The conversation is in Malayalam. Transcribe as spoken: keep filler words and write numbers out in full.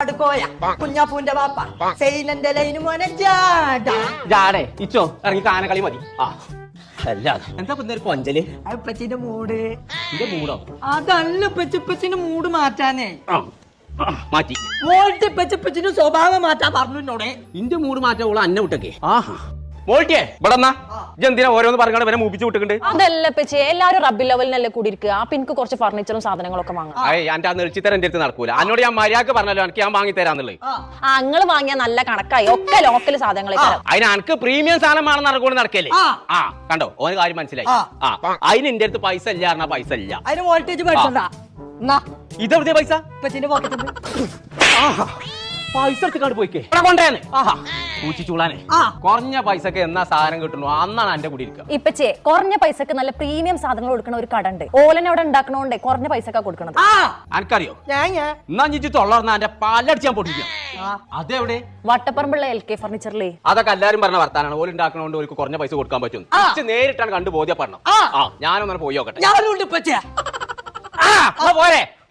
കുഞ്ഞാപ്പൂന്റെ വാപ്പ സെയിലന്റെ ലൈന് മോനെ ജാടാ ജാടേ ഇച്ചോ ഇറങ്ങി കാനകളി മതി ആ അല്ല എന്താ പിന്നെ ഒരു കൊഞ്ചല് അപ്പച്ചിന്റെ മൂട് എന്റെ മൂടോ അതല്ല പെച്ചിപ്പച്ചിന്റെ മൂട് മാറ്റാനേ മാറ്റി മോൾട്ട് പെച്ചിപ്പച്ചിന്റെ സ്വഭാവം മാറ്റാൻ പറഞ്ഞോടെ ഇന്റെ മൂട് മാറ്റാൻ ഓള് അന്നെ വിട്ടൊക്കെ ആഹാ മോൾട്ടിയേ ഇവിടെ എന്തിനാ ഓരോന്ന് പറഞ്ഞാൽ ഇവനെ മൂപ്പിച്ച് വിട്ടിട്ടുണ്ട് അതല്ല പെച്ചേ എല്ലാരും റബ്ബി ലെവലിനല്ലേ കൂടിയിരിക്കുക അപ്പൊ എനിക്ക് കുറച്ച് ഫർണിച്ചറും സാധനങ്ങളൊക്കെ വാങ്ങാം ഏയ് എന്റെ ആ നെളിച്ചിത്തരം എന്റെ അടുത്ത് നടക്കൂല എന്നോട് ഞാൻ മര്യാദക്ക് പറഞ്ഞല്ലോ എനിക്ക് ഞാൻ വാങ്ങി തരാന്നുള്ളത് അങ്ങള് വാങ്ങിയ നല്ല കണക്കായി ഒക്കെ ലോക്കൽ സാധനങ്ങളെ അതിന് എനിക്ക് പ്രീമിയം സാധനം വേണം നടക്കൂടെ നടക്കല്ലേ ആ കണ്ടോ ഓന് കാര്യം മനസ്സിലായി ആ അതിന് എന്റെ അടുത്ത് പൈസ ഇല്ല പറഞ്ഞാ പൈസ ഇല്ല അതിന് വോൾട്ടേജ് പഠിച്ചണ്ട ഇതെവിടുത്തെ പൈസ ഇപ്പച്ചിന്റെ പോക്കറ്റിൽ പൈസ എടുത്ത് പോയിക്കേ കൊണ്ടേന്ന് ആഹാ പൂച്ചിച്ചൂളാനെ കുറഞ്ഞ പൈസക്ക് എന്നാ സാധനം കിട്ടുന്നു അന്നാണ് എന്റെ കൂടി ഇരിക്കുക ഇപ്പച്ചേ കുറഞ്ഞ പൈസക്ക് നല്ല പ്രീമിയം സാധനങ്ങൾ കൊടുക്കുന്ന ഒരു കട ഉണ്ട് ഓലനെ അവിടെ ഉണ്ടാക്കണോണ്ടേ കുറഞ്ഞ പൈസക്കാ കൊടുക്കണത് എനിക്കറിയോ എന്നാ ഞിച്ച് തൊള്ളർന്ന എന്റെ പാലടിച്ച് ഞാൻ പൊട്ടിക്കാം അതെവിടെ വട്ടപ്പറമ്പുള്ള എൽ കെ ഫർണിച്ചറിലേ അതൊക്കെ എല്ലാരും പറഞ്ഞ വർത്താനാണ് ഓല് ഉണ്ടാക്കണോണ്ട് ഓർക്ക് കുറഞ്ഞ പൈസ കൊടുക്കാൻ പറ്റും നേരിട്ടാണ് കണ്ടു ബോധ്യപ്പെടണം ആ ഞാനൊന്നും പോയി നോക്കട്ടെ ഞാനുണ്ട് ഇപ്പച്ചേ പോരെ